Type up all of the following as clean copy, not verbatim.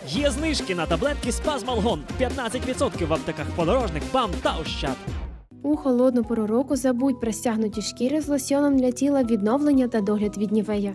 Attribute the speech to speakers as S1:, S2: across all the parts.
S1: Є знижки на таблетки Спазмалгон 15% в аптеках Подорожник, БАМ та Ощад.
S2: У холодну пору року забудь про стягнуті шкіри з лосьоном для тіла, відновлення та догляд від Нівея.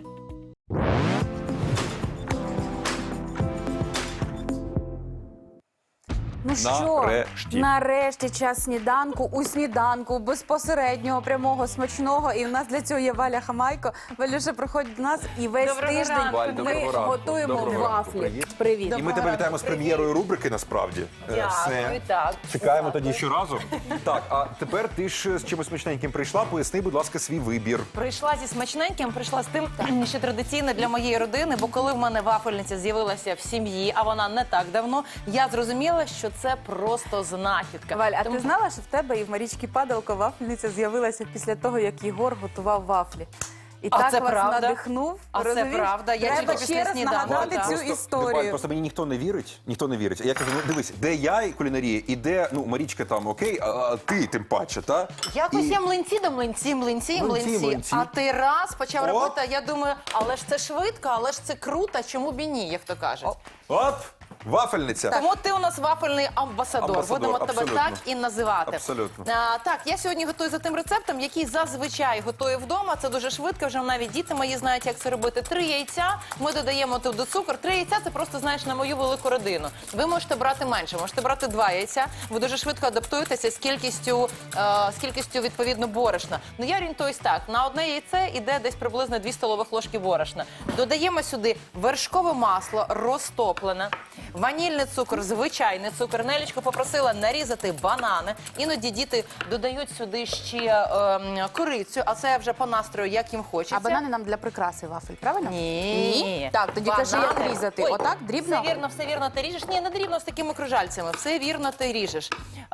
S3: Ну що,
S4: Нарешті.
S3: нарешті час сніданку, у сніданку, безпосереднього, прямого, смачного. І в нас для цього є Валя Хамайко. Валюша, приходь до нас і весь
S5: Доброго
S3: тиждень
S5: ранку.
S4: Валь,
S3: ми
S4: доброго ранку.
S3: готуємо
S4: Доброго ранку.
S3: вафлі.
S4: Привіт.
S3: Привіт.
S4: І ми тебе вітаємо з прем'єрою рубрики, насправді.
S5: Дякую, так.
S4: Чекаємо тоді щоразу. Так, а тепер ти ж з чимось смачненьким прийшла. Поясни, будь ласка, свій вибір.
S5: Прийшла зі смачненьким, прийшла з тим, що традиційно для моєї родини, бо коли в мене вафельниця з'явилася в сім'ї, а вона не так давно, я зрозуміла, що це просто знахідка.
S3: Валь, а
S5: Тому-
S3: ти знала, що в тебе і в Марічки Падалко вафельниця з'явилася після того, як Єгор готував вафлі? І
S5: А
S3: так
S5: це
S3: вас
S5: правда?
S3: надихнув.
S5: А це
S3: розумієш?
S5: правда? Я
S3: Треба
S5: тільки після
S3: ще раз
S5: сніданку,
S3: нагадати
S5: так.
S3: цю
S4: Валь,
S3: історію.
S4: просто мені ніхто не вірить. Ніхто не вірить. Я кажу, ну дивись, де я і кулінарія, і де, ну, Марічка там, окей, а ти тим паче, та?
S5: Якось
S4: І-
S5: я млинці до млинці.
S4: Млинці.
S5: А ти раз почав
S4: О!
S5: робити, а я думаю, але ж це швидко, але ж це круто, чому б і ні, як то кажуть.
S4: Оп, вафельниця.
S5: Тому ти у нас вафельний амбасадор.
S4: Амбасадор,
S5: Будемо тебе
S4: абсолютно.
S5: так і називати.
S4: Абсолютно.
S5: Так, я сьогодні готую за тим рецептом, який зазвичай готую вдома. Це дуже швидко, вже навіть діти мої знають, як це робити. 3 яйця, ми додаємо туди цукор. 3 яйця – це просто, знаєш, на мою велику родину. Ви можете брати менше, можете брати 2 яйця. Ви дуже швидко адаптуєтеся з кількістю відповідно, борошна. Ну, я орієнтуюсь так. На одне яйце йде десь приблизно 2 столових ложки борошна. Додаємо сюди вершкове масло розтоплене, ванільний цукор, звичайний цукор. Нелічко попросила нарізати банани. Іноді діти додають сюди ще корицю, а це вже по настрою, як їм хочеться.
S3: А банани нам для прикраси вафель, правильно?
S5: Ні.
S3: Так, тоді кажи, як
S5: Банани.
S3: різати.
S5: Ой,
S3: Отак, дрібно?
S5: Все вірно ти ріжеш. Ні, не дрібно, з такими кружальцями. Все вірно ти ріжеш.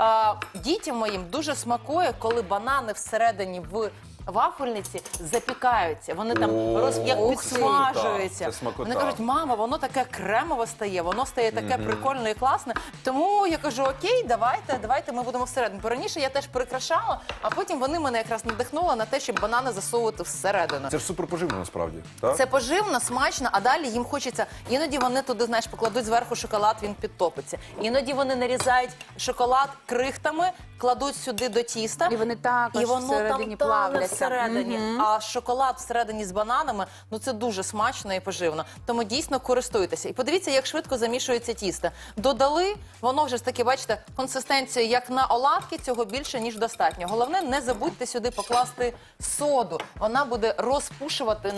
S5: Дітям моїм дуже смакує, коли банани всередині в вафельниці запікаються. Вони там як
S4: Ух ти.
S5: підсмажуються.
S4: Так, це смакота.
S5: Вони кажуть, мама, воно таке кремове стає, воно стає таке прикольне і класне. Тому я кажу, окей, давайте ми будемо всередину. Бо раніше я теж прикрашала, а потім вони мене якраз надихнули на те, щоб банани засовувати всередину.
S4: Це ж суперпоживно, насправді. Так?
S5: Це поживно, смачно, а далі їм хочеться. Іноді вони туди, знаєш, покладуть зверху шоколад, він підтопиться. Іноді вони нарізають шоколад крихтами, кладуть сюди до тіста.
S3: І вони також
S5: і воно
S3: всередині
S5: там тане
S3: плавляться.
S5: всередині. А шоколад всередині з бананами, ну це дуже смачно і поживно. Тому дійсно користуйтеся. І подивіться, як швидко замішується тісто. Додали, воно вже ж таки, бачите, консистенція як на оладки, цього більше, ніж достатньо. Головне, не забудьте сюди покласти соду. Вона буде розпушувати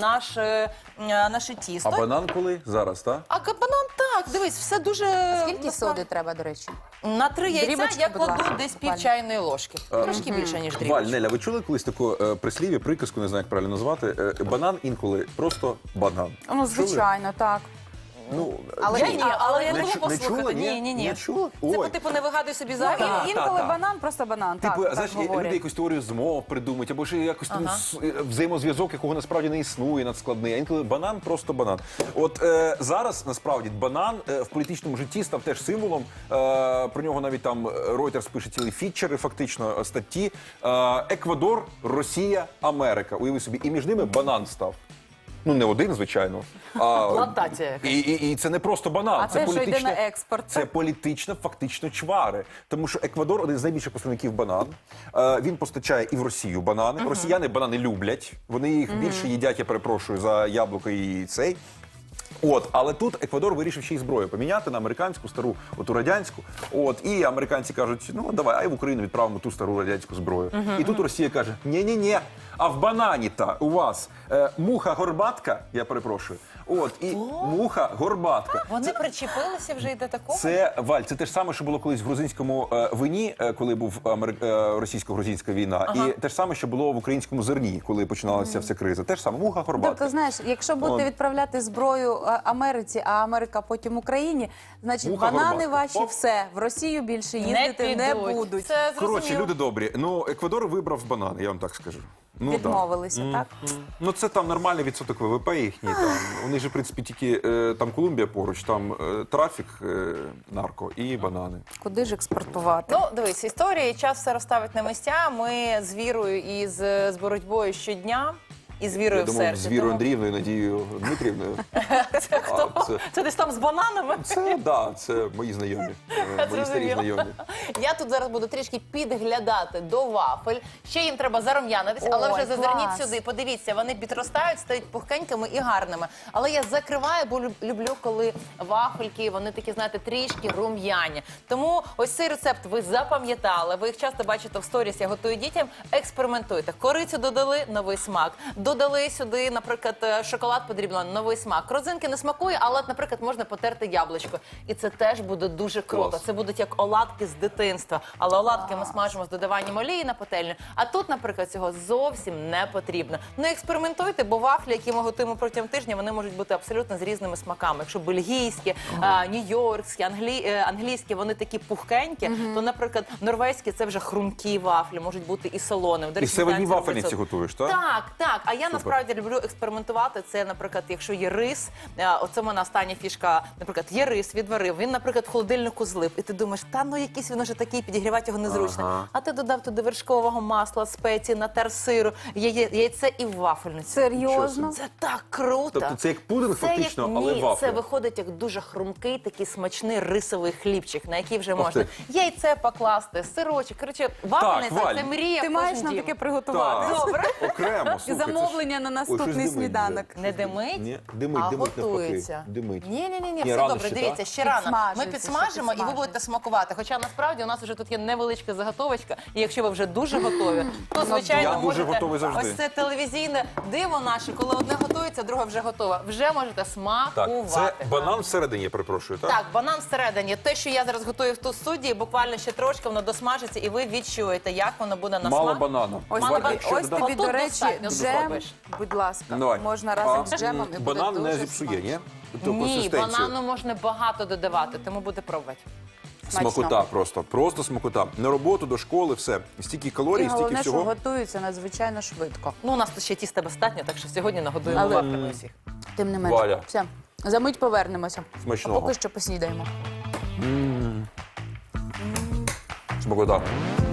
S5: наше тісто.
S4: А банан коли? Зараз, так?
S5: А банан так, дивись, все дуже...
S3: Скільки соди треба, до речі?
S5: На 3 яйця
S3: Дрібочки,
S5: я
S3: будь
S5: кладу
S3: ласка,
S5: десь
S3: Валя.
S5: пів чайної ложки. Трошки більше, ніж
S4: Валь,
S5: дрібочки.
S4: Неля, ви чули колись таку прислів'я, приказку, не знаю, як правильно назвати? Банан інколи просто банан.
S3: Ну,
S4: Чули?
S3: звичайно, так.
S4: Ну,
S3: Але
S5: Я ні, але я
S4: не
S5: люблю
S4: чу- не
S5: послухати.
S4: чула, ні?
S5: Ні.
S4: Не чула?
S5: Це
S4: Ой.
S5: по типу не вигадуй собі зайве.
S4: Так.
S3: Інколи
S4: так.
S3: банан, просто банан.
S4: Типу,
S3: Так,
S4: знаєш,
S3: так говорять.
S4: люди якусь теорію змов придумують, або ж якось там взаємозв'язок, якого насправді не існує, надскладний. А інколи банан просто банан. От зараз насправді банан в політичному житті став теж символом. Про нього навіть там Reuters пише цілі фітчери, фактично статті. Еквадор, Росія, Америка. Уяви собі, і між ними банан став. Ну, не один, звичайно.
S5: Плантація якась.
S4: І це не просто банан.
S3: А це, що йде
S4: політичне-
S3: на експорт.
S4: Це політично, фактично чвари. Тому що Еквадор один з найбільших поставників банан. Він постачає і в Росію банани. Росіяни банани люблять. Вони їх більше їдять, я перепрошую, за яблуко і цей. От, але тут Еквадор вирішив ще й зброю поміняти на американську, стару, оту радянську. От, і американці кажуть, ну давай, а й в Україну відправимо ту стару радянську зброю. І тут Росія каже, ні-ні-ні, а в банані-та у вас муха-горбатка, я перепрошую, от, і муха-горбатка.
S5: Вони причепилися вже й до такого?
S4: Це, Валь, це те ж саме, що було колись в грузинському вині, коли був російсько-грузинська війна, і те ж саме, що було в українському зерні, коли починалася вся криза. Те ж саме, муха-горбатка.
S3: Тобто, знаєш, якщо будете
S4: От.
S3: відправляти зброю Америці, а Америка потім Україні, значить
S4: Муха
S3: банани
S4: горбатка.
S3: ваші
S4: Оп.
S3: все, в Росію більше їздити не
S5: підуть.
S3: будуть.
S5: Це зрозуміло.
S4: Коротше, люди добрі. Ну, Еквадор вибрав банани, я вам так скажу. Ну,
S3: Відмовилися, так?
S4: Ну, це там нормальний відсоток ВВП їхній. Там. У них же, в принципі, тільки там Колумбія поруч, там трафік, нарко і банани.
S3: Куди ж експортувати?
S5: Ну, дивись, історія і час все розставить на місця. Ми з вірою і з боротьбою щодня. і з вірою
S4: Я
S5: в
S4: думав,
S5: серці.
S4: з Вірою
S5: Тому
S4: Андріївною, Надією Дмитрівною.
S5: Це хто?
S4: А, це-
S5: Це десь там з бананами?
S4: Це мої знайомі. Мої старі
S5: Зрозуміло.
S4: знайомі.
S5: Я тут зараз буду трішки підглядати до вафель. Ще їм треба зарум'янитись, але
S3: Ой,
S5: вже зазирніть
S3: клас.
S5: сюди. Подивіться, вони підростають, стають пухкенькими і гарними. Але я закриваю, бо люблю, коли вафельки, вони такі, знаєте, трішки рум'яні. Тому ось цей рецепт ви запам'ятали. Ви їх часто бачите в сторіс, я готую дітям. Експериментуйте. Корицю додали, новий смак. Додали сюди, наприклад, шоколад подрібно, новий смак. Родзинки не смакує, але, наприклад, можна потерти яблучко. І це теж буде дуже круто.
S4: Клас.
S5: Це будуть як оладки з дитинства. Але оладки ми смажимо з додаванням олії на пательню. А тут, наприклад, цього зовсім не потрібно. Ну, експериментуйте, бо вафлі, які ми готуємо протягом тижня, вони можуть бути абсолютно з різними смаками. Якщо бельгійські, нью-йоркські, англійські, вони такі пухкенькі, то, наприклад, норвезькі – це вже хрумкі вафлі, можуть бути і солоними. До
S4: І
S5: речі,
S4: все в одній
S5: британці роблять
S4: вафельниці
S5: це.
S4: готуєш, так?
S5: Так. А я насправді люблю експериментувати. Це, наприклад, якщо є рис, оце в мене остання фішка, наприклад, є рис, відварив, він, наприклад, в холодильнику злип. І ти думаєш, та ну якийсь він уже такий, підігрівати його незручно.
S4: Ага.
S5: А ти додав туди вершкового масла, спеції, натер сиру, яйце і вафельницю.
S3: Серйозно?
S5: Це так круто.
S4: Тобто це як пудинг фактично, але
S5: ні,
S4: вафля.
S5: це виходить як дуже хрумкий, такий смачний рисовий хлібчик, на який вже
S4: Ох
S5: можна
S4: ти.
S5: яйце покласти, сирочок. Коротше, вафельниця
S4: Валь.
S5: це мрія
S3: Ти
S5: в
S3: маєш
S5: кожен
S3: нам
S5: дім.
S3: таке приготувати.
S4: Так.
S5: Добре.
S4: Окремо, слухай. це ж-
S3: Замовлення на
S4: Ой,
S3: наступний
S4: щось димить
S3: сніданок.
S4: вже.
S5: Не димить?
S4: Ні, димить,
S5: а
S4: димить
S5: готується.
S4: навпаки. Димить.
S5: Ні,
S4: Ні,
S5: все
S4: рано
S5: добре,
S4: ще,
S5: дивіться,
S4: так?
S5: ще рано. Ми
S3: Підсмажується,
S5: підсмажимо
S3: ще
S5: і ви будете смакувати. Хоча насправді у нас вже тут є невеличка заготовочка, і якщо ви вже дуже готові, то звичайно
S4: Я дуже
S5: можете
S4: готовий завжди.
S5: ось це телевізійне диво наше, коли одне готується, друге вже готове. Вже можете смакувати.
S4: Так, це банан всередині, я перепрошую, так?
S5: Так, банан всередині. Те, що я зараз готую в ту студії, буквально ще трошки воно досмажиться, і ви відчуєте, як воно буде на
S4: Мало
S5: смак.
S4: банану.
S3: Ось
S5: Мало
S3: тобі,
S5: банану.
S3: ось тобі,
S5: Отут
S3: до речі,
S5: достатньо
S3: джем,
S5: зробиш.
S3: будь ласка,
S4: Давай.
S3: можна разом з джемом і буде
S4: Банан
S3: дуже
S4: не зіпсує,
S3: смачно.
S4: ні? Тобто
S5: Ні,
S4: консистенцію.
S5: банану можна багато додавати, тому буде пробувати.
S4: Смакота просто. Просто смакота. На роботу, до школи, все. Стільки
S3: І
S4: калорій, стільки
S3: головне, що
S4: всього.
S3: готується надзвичайно швидко.
S5: Ну, у нас тут ще тіста достатньо, так що сьогодні нагодуємо
S3: Але-
S5: вафлями усіх.
S3: Тим не менше.
S4: Валя.
S3: Все, за мить повернемося.
S4: Смачного.
S3: А поки що поснідаємо.
S4: Смакота.